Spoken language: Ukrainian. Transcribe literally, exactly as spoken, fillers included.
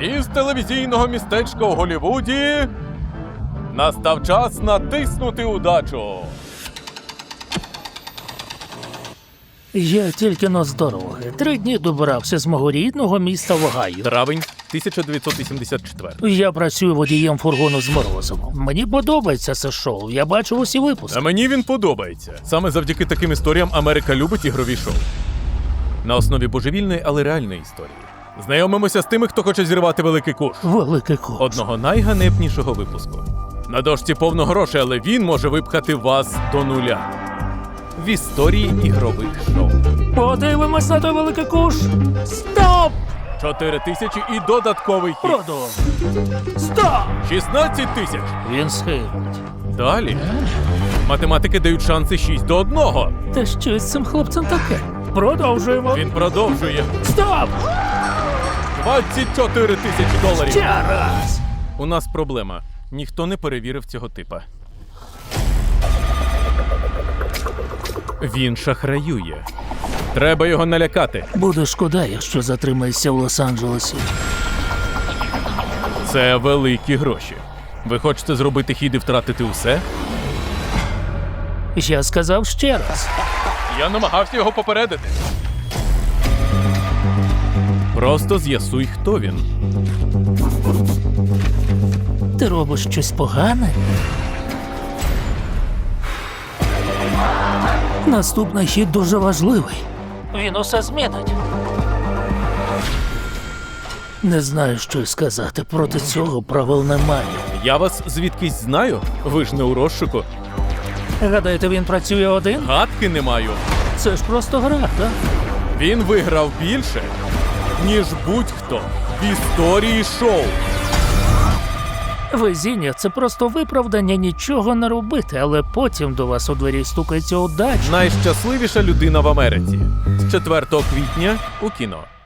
Із телевізійного містечка у Голлівуді настав час натиснути удачу. Я тільки но з дороги. Три дні добирався з мого рідного міста в Огайо. Травень тисяча дев'ятсот вісімдесят четвертий. Я працюю водієм фургону з морозивом. Мені подобається це шоу, я бачу усі випуски. А мені він подобається. Саме завдяки таким історіям Америка любить ігрові шоу. На основі божевільної, але реальної історії. Знайомимося з тими, хто хоче зірвати великий куш. Великий куш. Одного найганебнішого випуску. На дошці повно грошей, але він може випхати вас до нуля. В історії ігрових шоу. Подивимось на той великий куш. Стоп! чотири тисячі і додатковий хід. Продовжуй. Стоп! шістнадцять тисяч. Він схилить. Далі. Математики дають шанси шість до одного. Та що з цим хлопцем таке? Продовжуємо. Він продовжує. Стоп! двадцять чотири тисячі доларів. Ще раз! У нас проблема. Ніхто не перевірив цього типа. Він шахраює. Треба його налякати. Буде шкода, якщо затримаєшся в Лос-Анджелесі. Це великі гроші. Ви хочете зробити хід і втратити усе? Я сказав ще раз. Я намагався його попередити. Просто з'ясуй, хто він. Ти робиш щось погане? Наступний хід дуже важливий. Він усе змінить. Не знаю, що й сказати. Проти цього правил немає. Я вас звідкись знаю? Ви ж не у розшуку. Гадаєте, він працює один? Гадки не маю. Це ж просто гра, так? Він виграв більше, ніж будь-хто в історії шоу. Везіння – це просто виправдання нічого не робити, але потім до вас у двері стукається удача. Найщасливіша людина в Америці. З четвертого квітня у кіно.